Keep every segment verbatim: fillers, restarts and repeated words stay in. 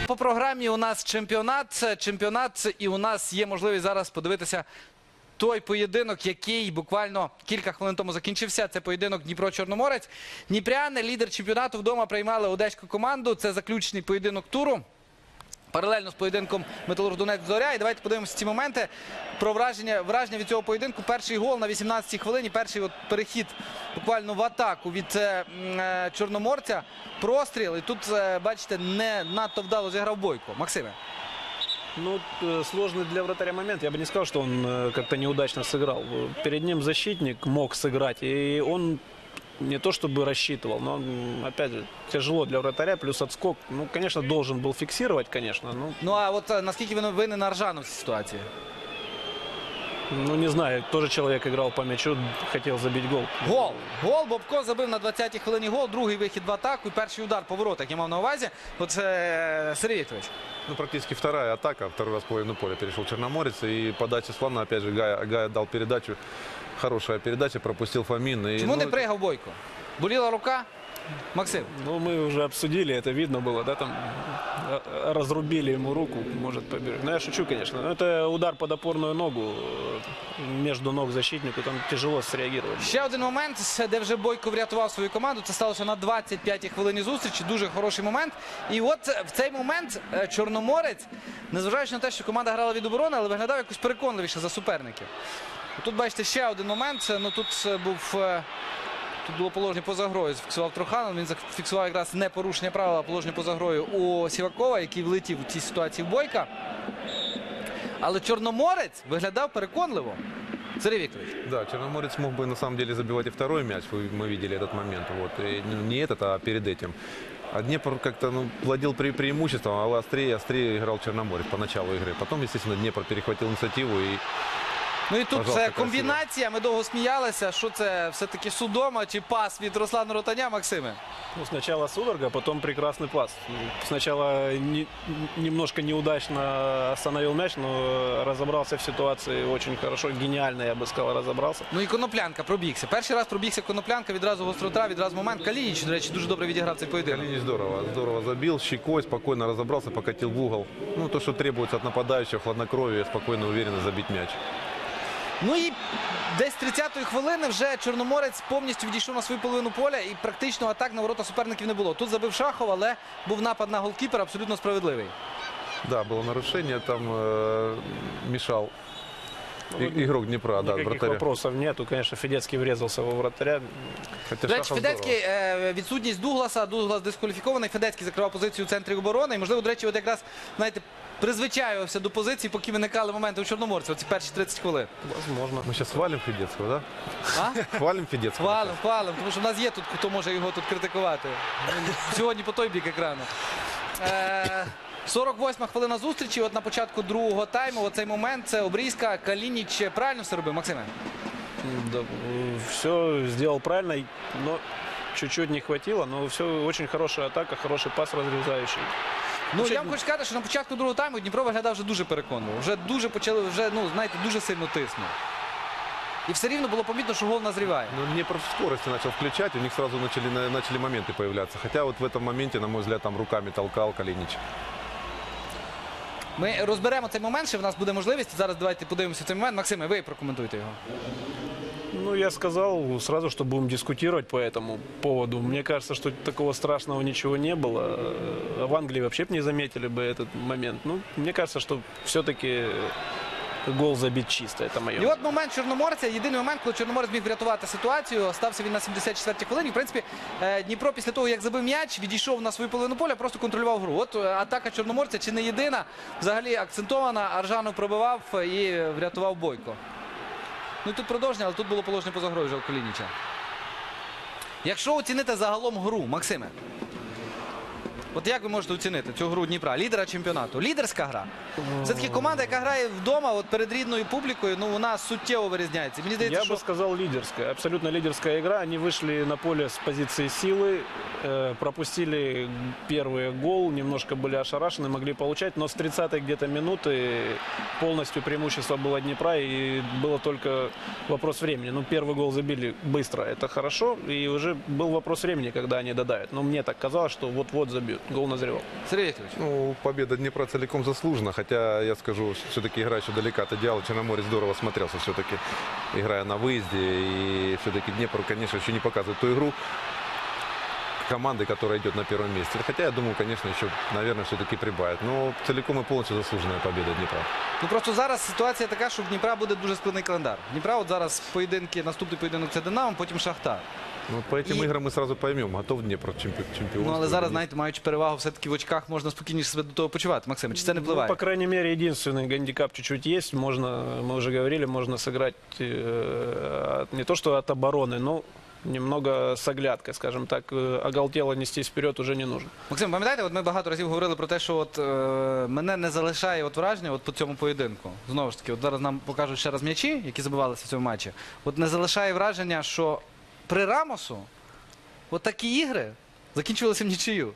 По програмі у нас чемпіонат, чемпіонат, і у нас є можливість зараз подивитися той поєдинок, який буквально кілька хвилин тому закінчився. Це поєдинок Дніпро-Чорноморець. Дніпряни, лідер чемпіонату, вдома приймали одеську команду. Це заключний поєдинок туру. Паралельно з поєдинком Металург-Донецьк-Зоря. І давайте подивимося ці моменти про враження, враження від цього поєдинку. Перший гол на вісімнадцятій хвилині, перший от перехід буквально в атаку від е, е, Чорноморця. Простріл. І тут, е, бачите, не надто вдало зіграв Бойко. Максиме. Ну, сложный для вратаря момент. Я бы не сказал, что он как-то неудачно сыграл. Перед ним защитник мог сыграть, и он не то чтобы рассчитывал, но, опять же, тяжело для вратаря, плюс отскок. Ну, конечно, должен был фиксировать, конечно. Но... Ну, а от наскільки він винен Аржану в цій ситуації? Ну, не знаю, тоже человек играл по мячу, хотел забить гол. Гол. Гол. Бобко забив на двадцятій хвилині гол. Другий вихід в атаку і перший удар по воротах. Я мав на увазі. Оце Сергій Вікторович. Ну, практически вторая атака. Второй раз в половину поля перешел Черноморец. И подача с фланга, опять же, Гая, Гая дал передачу. Хорошая передача, пропустил Фомин. И, Чому ну, не пригав Бойко? Боліла рука? Максим. Ну, мы уже обсудили, это видно было, да, там разрубили ему руку, может побежать. Ну, я шучу, конечно. Но это удар под опорную ногу между ног защитнику, там тяжело среагировать. Ще один момент, де вже Бойко врятував свою команду. Це сталося на двадцять п'ятій хвилині зустрічі. Дуже хороший момент. І от в цей момент Чорноморець, незважаючи на те, що команда грала від оборони, але виглядав якось переконливіше за суперників. Тут, бачите, ще один момент. Ну, тут був... Тут було положення поза грою, зафіксував Труханов, він зафіксував якраз не порушення правила, а положення поза грою у Сівакова, який влетів у цій ситуації в Бойка. Але Чорноморець виглядав переконливо. Сергій Вікторович. Да, Черноморец мог бы на самом деле забивать и второй мяч, мы видели этот момент. Вот. И не этот, а перед этим. А Днепр как-то ну, владел пре преимуществом, а острее, острее играл Черноморец по началу игры. Потом, естественно, Днепр перехватил инициативу и... Ну і тут Пожалуйста, це комбінація, ми довго сміялися, що це все-таки Судома чи пас від Руслана Ротаня, Максиме? Ну, сначала судорога, потом прекрасный пас. Сначала не, немножко неудачно остановил мяч, но разобрался в ситуации очень хорошо, гениально, я бы сказал, разобрался. Ну і Коноплянка пробігся. Перший раз пробігся Коноплянка, відразу гострота, відразу момент. Калініч, до речі, дуже добре відіграв цей поєдинок. Калинич здорово, здорово забил, щекой, спокойно разобрался, покатил в угол. Ну, то, что требуется от нападающего, хладнокровие, спокойно, уверенно забить мяч. Ну і десь з тридцятої хвилини вже Чорноморець повністю відійшов на свою половину поля і практично атак на ворота суперників не було. Тут забив Шахов, але був напад на голкіпера абсолютно справедливий. Да, было нарушение, там э, мешал и, игрок Днепра. Да, Никаких вратаря. вопросов нету. Конечно, Федецкий врезался во вратаря. Хотя До речі, Шахов Федецький, е, відсутність Дугласа, Дуглас дискваліфікований, Федецький закривав позицію у центрі оборони. І, можливо, до речі, от якраз, знаєте, призвичаювався до позиції, поки виникали моменти у Чорноморця, оці перші тридцять хвилин. Возможно. Мы сейчас хвалим Федецкого, да? А? Хвалим Федецкого. Хвалим, хвалим, тому що в нас є тут, хто може його тут критикувати. Сьогодні по той бік екрану. Е, сорок восьма хвилина зустрічі, от на початку другого тайму, оцей момент, це обрізка, Калініч правильно все робив, Максиме? Да, все сделал правильно, но чуть-чуть не хватило. Но все очень хорошая атака, хороший пас разрезающий. Ну, я вам хочу сказати, що на початку другого тайму Дніпро виглядав вже дуже переконливо. Вже дуже почали, вже, ну, знаєте, дуже сильно тиснув. І все рівно було помітно, що гол назріває. Ну, Днепр в скорости начал включать, у них сразу начали, на- начали моменты появляться. Хотя вот в этом моменте, на мой взгляд, там руками толкал Калинич. Ми розберемо цей момент, ще в нас буде можливість. Зараз давайте подивимося цей момент. Максиме, ви прокоментуйте його. Ну, я сказал сразу, что будем дискутировать по этому поводу. Мне кажется, что такого страшного ничего не было. В Англии вообще бы не заметили бы этот момент. Ну, мне кажется, что все-таки гол забит чисто. Это мое. І от момент Чорноморця, єдиний момент, коли Чорноморець міг врятувати ситуацію, стався він на сімдесят четвертій хвилині. В принципі, е, Дніпро після того, як забив м'яч, відійшов на свою половину поля, просто контролював гру. От е, атака Чорноморця чи не єдина, взагалі акцентована, Аржанов пробивав і врятував Бойко. Ну і тут продовження, але тут було положення поза грою вже у Калініча. Якщо оцінити загалом гру, Максиме, от як ви можете оцінити цю гру Дніпра, лідера чемпіонату? Лідерська гра. Все-таки команда, яка грає вдома, от перед рідною публікою, ну вона суттєво вирізняється. Мені здається, Я що... бы сказал лидерская, абсолютно лидерская игра. Они вышли на поле с позиции силы, э, пропустили первый гол, немножко были ошарашены, могли получать, но с тридцатой где-то минуты полностью преимущество было Днепра, и было только вопрос времени. Ну, первый гол забили быстро, это хорошо, и уже был вопрос времени, когда они додавят. Но мне так казалось, что вот-вот забьют. гол назревал. Сергій Вікторович. Ну, победа Днепра целиком заслужена, хотя, я скажу, все-таки игра еще далека от идеала. Черноморец здорово смотрелся все-таки, играя на выезде. И все-таки Днепр, конечно, еще не показывает ту игру команды, которая идет на первом месте. Хотя, я думаю, конечно, еще, наверное, все-таки прибавит. Но целиком и полностью заслуженная победа Днепра. Ну просто зараз ситуація така, що в Дніпра буде дуже складний календар. В Дніпра от зараз поєдинки, наступний поєдинок це Динамо, потім Шахтар. Ну, по этим И- играм мы сразу поймем, готов Днепр чемпи- чемпионству. Ну але или зараз, нет. знаєте, маючи перевагу все-таки в очках, можна спокійніше себе до того почувати. Максим, чи це не Ну, впливає? по крайней мере, единственный гандикап чуть-чуть есть. Можно, мы уже говорили, можно сыграть э, от- не то что от обороны, но немного с оглядкой, скажем так. Э, Оголтело нестись вперед уже не нужно. Максим, пам'ятаєте, от ми багато разів говорили про те, що от, е, мене не залишає от враження от по цьому поєдинку. Знову ж таки, от зараз нам покажуть ще раз м'ячі, які забивалися в цьому матчі. От не залишає враження, що при Рамосу от такі ігри закінчувалися в нічию.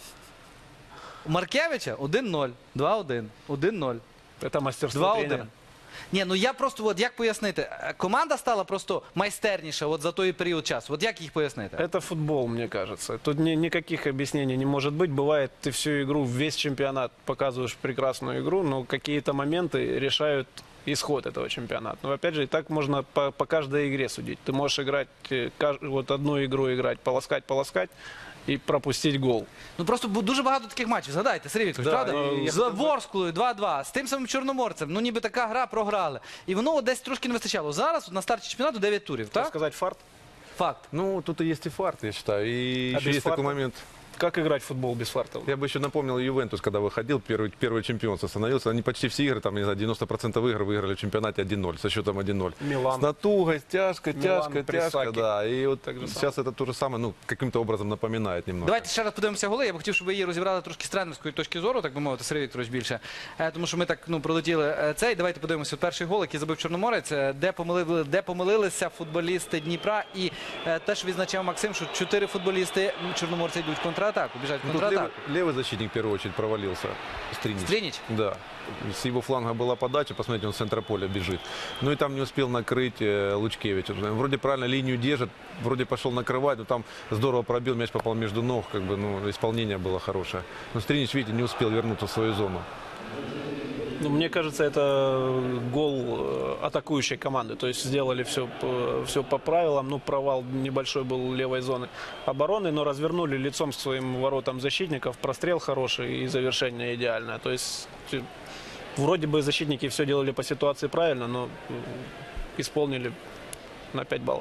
У Маркевича один нуль, два один, один нуль. Это мастерство два тренера. один. Ні, ну я просто, от як пояснити, Е, команда стала просто майстерніша от за той період часу. От як їх пояснити? Это футбол, мне кажется. Тут ни- никаких объяснений не может быть. Бывает, ты всю игру, весь чемпионат показываешь прекрасную игру, но какие-то моменты решают исход этого чемпионата. Но опять же, и так можно по, по каждой игре судить. Ты можешь играть, э, каж- вот одну игру играть, полоскать, полоскать и пропустить гол. Ну просто бу- дуже багато таких матчів. Згадайте, Сергій Вікторович, Да, правда? і я З Ворсклою два-два, з тим самим Чорноморцем. Ну ніби така гра програли. І воно от десь трошки не вистачало. Зараз на старті чемпіонату дев'ять турів, Так так? сказать, фарт. Факт. Ну, тут и есть и фарт, я считаю. И А еще без есть такой фарта? момент. Как играть в футбол без фарта? Я бы еще напомнил Ювентус, когда выходил, первый, первый чемпионство становился. Они почти все игры, там, не знаю, девяносто процентов игр выиграли в чемпионате один ноль, со счетом один ноль. Милан. С натугой, с тяжко, Милан, тяжко, тяжко, Присаки. да. И вот Так же сейчас это то же самое, ну, каким-то образом напоминает немного. Давайте ще раз подивимося голи. Я б хотів, щоб ви її розібрали трошки з тренерської точки зору, так би мовити, Сергій Вікторович більше. Е, Тому що ми так ну, пролетіли е, цей. Давайте подивимося от перший гол, який забив Чорноморець, е, де, помилили, де помилилися футболісти Дніпра. І е, те, що відзначав Максим, що чотири футболісти Чорноморця йдуть в контратаку, біжать в Ну, тут контратаку. левый, левый защитник в первую очередь провалился. Стринич. Стринич? Да. С его фланга была подача, посмотрите, он с центра поля бежит. Ну и там не успел накрыть э, Лучкевич. Вроде правильно линию держит, вроде пошел накрывать, но там здорово пробил, мяч попал между ног, как бы, ну, исполнение было хорошее. Но Стринич, видите, не успел вернуться в свою зону. Ну, мне кажется, это гол э, атакующей команды. То есть сделали все, все по правилам. Ну, провал небольшой был левой зоны обороны, но развернули лицом к своим воротам защитников. Прострел хороший и завершение идеальное. То есть э, вроде бы защитники все делали по ситуации правильно, но э, исполнили на пять баллов.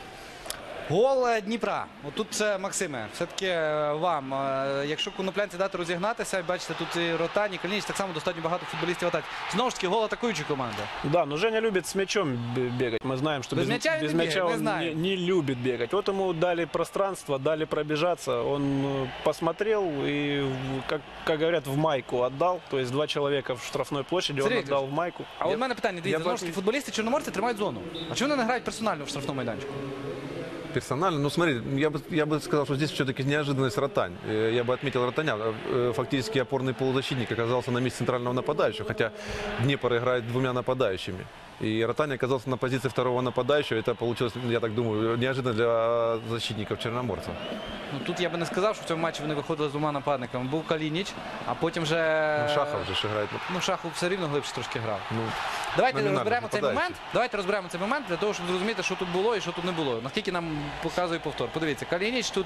Гол е, Дніпра. Отут це, Максиме, все-таки е, вам. Е, Якщо коноплянці дати розігнатися, бачите, тут і Ротані, Калініч, так само достатньо багато футболістів в атаці. Знову ж таки, гол атакуючої команди. Да, но Женя любит с мячом б- бегать. Мы знаем, что Без без, мяча он без не бегает, мяча мы он знаем. не, не любит бегать. Вот ему дали пространство, дали пробежаться. Он э, посмотрел и, в- как, как говорят, в майку отдал. То есть два человека в штрафной площади он Сергей отдал в майку. А от в мене питання, дивіться, я знову ж таки, бачу- футболісти Чорноморця тримають зону. А чому вони не грають персонально в штрафному майданчику? Персонально, ну смотри, я бы, я бы сказал, что здесь все-таки неожиданность Ротань. Э, Я бы отметил Ротаня. Э, Фактически опорный полузащитник оказался на месте центрального нападающего, хотя Днепр играет двумя нападающими. И Ротань оказался на позиции второго нападающего. Это получилось, я так думаю, неожиданно для защитников Черноморца. Ну тут я би не сказав, що в цьому матчі вони виходили з двома нападниками. Був Калініч, а потім вже... Ну, Шахов же ж играет. Ну, Шахов все рівно глибше трошки грав. Ну, Давайте номінальний розберемо цей нападаючий. момент. Давайте розберемо цей момент для того, щоб зрозуміти, що тут було і що тут не було. Наскільки нам показує повтор. Подивіться, Калініч тут.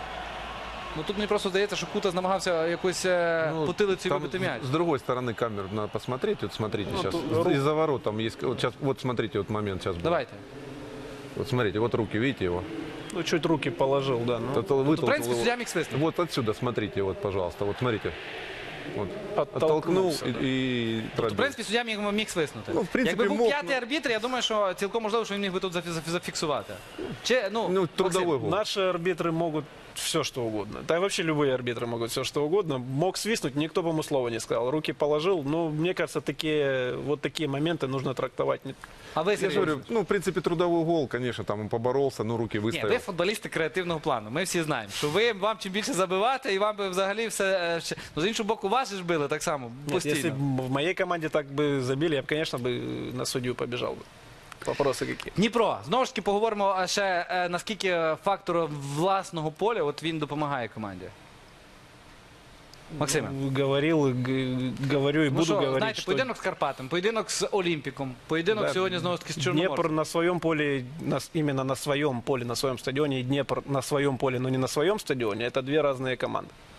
Ну тут мені просто здається, що Кутас намагався якось е, ну, потилицею там вибити м'яч. С другой стороны камеру надо посмотреть. Вот смотрите Ну, сейчас. тут рук- Из-за ворот там есть. Вот, сейчас, вот смотрите, вот момент сейчас был. Давайте. Вот смотрите, вот руки, видите его? Ну, чуть руки положил, да. Ну, Это Тут, в вытолкнул принципі, его. суддя міг свистнути. Вот отсюда смотрите, вот, пожалуйста, вот смотрите. Вот. Оттолкнулся, Оттолкнул да. и, и В пробил. принципі, суддя міг, міг свиснути. Ну, в принципі, Якби був мог, п'ятий ну. арбітр, я думаю, що цілком можливо, що він міг би тут зафі- зафі- зафіксувати. Чи, ну, Ну, Максим, трудовой гол. Наши арбитры могут все, что угодно. Да и вообще любые арбитры могут все, что угодно. Мог свистнуть, никто бы ему слова не сказал. Руки положил. Но мне кажется, такие, вот такие моменты нужно трактовать. не- А ви, Я Сергій же говорю, Вікторович? ну, в принципе, трудовой гол, конечно, там он поборолся, ну, руки Ні, выставил. ви футболісти креативного плану. Ми всі знаємо, що ви вам чим більше забивати, і вам би взагалі все. е, ще- Ну, з іншого боку, вас же ж били так само Нет, постійно. если б в моей команде так бы забили, я бы, конечно, бы на судью побежал бы. Вопросы какие? Дніпро. Знову ж таки поговоримо а, ще е, наскільки фактор власного поля от він допомагає команді. Максиме. Говорил, г- говорю и Ну буду що, говорить, знаєте, что поєдинок з Карпатом, поєдинок з Олімпіком, поєдинок Да, сьогодні знову ж таки з Днепр Чорноморцем. на своем поле, на с- именно на своем поле, на своем стадионе, и Днепр на своем поле, но не на своем стадионе, это две разные команды.